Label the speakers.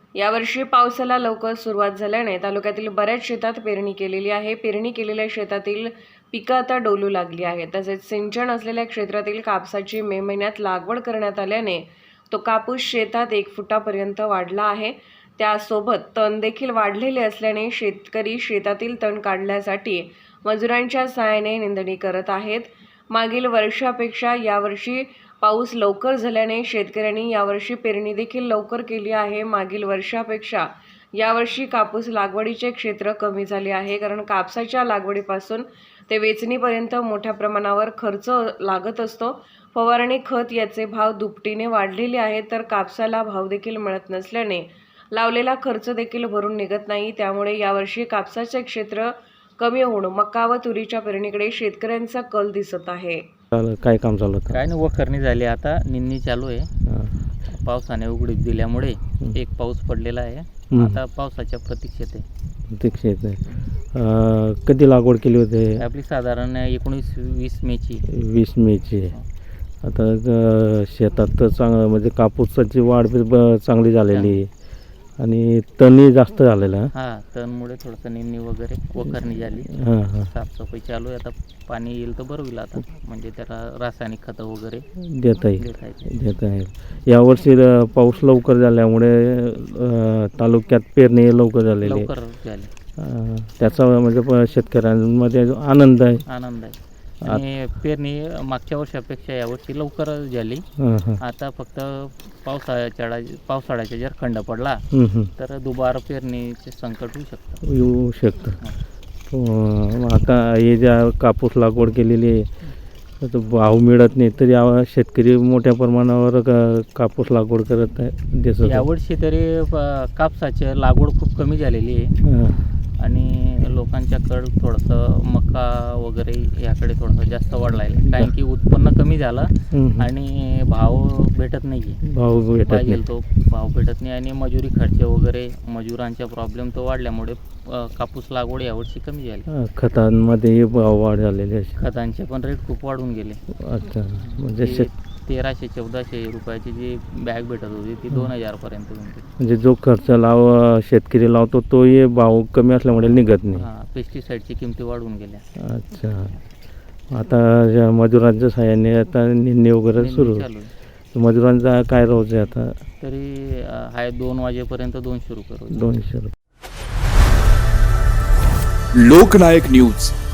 Speaker 1: यावर्षी पावसाला लवकर सुरुवात झाल्याने तालुक्यातील बऱ्याच शेतात पेरणी केलेली आहे. पेरणी केलेल्या शेतातील पिकं आता डोलू लागली आहेत. तसेच सिंचन असलेल्या क्षेत्रातील कापसाची मे महिन्यात लागवड करण्यात आल्याने तो कापूस शेतात 1 फुटापर्यंत वाढला आहे. त्यासोबत तण देखील वाढलेले असल्याने शेतकरी शेतातील तण काढण्यासाठी मजुरांच्या सहाय्याने निंदणी करत आहेत. मागील वर्षापेक्षा यावर्षी पाऊस लवकर झाल्याने शेतकऱ्यांनी यावर्षी पेरणी देखील लवकर केली आहे. मागील वर्षापेक्षा यावर्षी कापूस लागवडीचे क्षेत्र कमी झाले आहे, कारण कापसाच्या लागवडीपासून ते वेचणीपर्यंत मोठ्या प्रमाणावर खर्च लागत असतो. फवारणी, खत याचे भाव दुपटीने वाढलेले आहेत, तर कापसाला भाव देखील मिळत नसल्याने लावलेला खर्च देखील भरून निघत नाही. त्यामुळे यावर्षी कापसाचे क्षेत्र कमी होऊन मका व तुरीच्या पेरणीकडे शेतकऱ्यांचा कल दिसत आहे.
Speaker 2: काय काम चालू होतं?
Speaker 3: काय नाही, वखरणी झाली, आता निंदणी चालू आहे. पावसाने उघडीप दिल्यामुळे एक पाऊस पडलेला आहे. आता पावसाच्या प्रतीक्षेत आहे.
Speaker 2: कधी लागवड केली होती?
Speaker 3: आपली साधारण 19-20 मेची.
Speaker 2: 20 मेची. आता शेतात तर चांगलं म्हणजे कापूसाची वाढ चांगली झालेली आहे आणि तणही जास्त झालेला.
Speaker 3: हां, तणमुळे थोडंसं निंदणी वगैरे वखरणी झाली. साफसफाई चालू आहे. आता पाणी येईल तर बरं होईल. आता म्हणजे त्याला रासायनिक खतं वगैरे देता येईल.
Speaker 2: यावर्षी पाऊस लवकर झाल्यामुळे तालुक्यात पेरणी लवकर झाली. त्याचा म्हणजे शेतकऱ्यांमध्ये आनंद आहे.
Speaker 3: आणि पेरणी मागच्या वर्षापेक्षा यावर्षी लवकर झाली. आता फक्त पावसाळ्याचा जर खंड पडला तर दुबार पेरणीचे संकट
Speaker 2: येऊ शकतं. आता हे ज्या कापूस लागवड केलेली आहे तर भाव मिळत नाही, तरी शेतकरी मोठ्या प्रमाणावर कापूस लागवड करत आहे.
Speaker 3: यावर्षी तरी कापसाची लागवड खूप कमी झालेली आहे आणि लोकांच्याकडं थोडंसं मका वगैरे याकडे थोडंसं जास्त वाढला आहे, कारण की उत्पन्न कमी झालं आणि भाव भेटत नाही. पाहिजे तो भाव भेटत नाही आणि मजुरी खर्च वगैरे मजुरांचा प्रॉब्लेम तो वाढल्यामुळे कापूस लागवड यावर्षी कमी झाली.
Speaker 2: खतांमध्ये भाव वाढ झालेली आहे.
Speaker 3: खतांचे पण रेट खूप वाढून गेले.
Speaker 2: अच्छा, म्हणजे
Speaker 3: 1300-1400 रुपयाची जी बॅग भेटत होती ती 2000 पर्यंत होती.
Speaker 2: म्हणजे जो खर्च शेतकरी लावतो तोही भाव कमी असल्यामुळे निघत नाही.
Speaker 3: पेस्टिसाईडची किमती वाढून गेल्या.
Speaker 2: अच्छा, आता मजुरांच्या सहाय्याने आता निंदणी वगैरे सुरू आहे. मजुरांचा काय रोज आहे आता?
Speaker 3: तरी आहे 2 वाजेपर्यंत 200 रुपये रोज.
Speaker 2: 200 रुपये.
Speaker 4: लोकनायक न्यूज.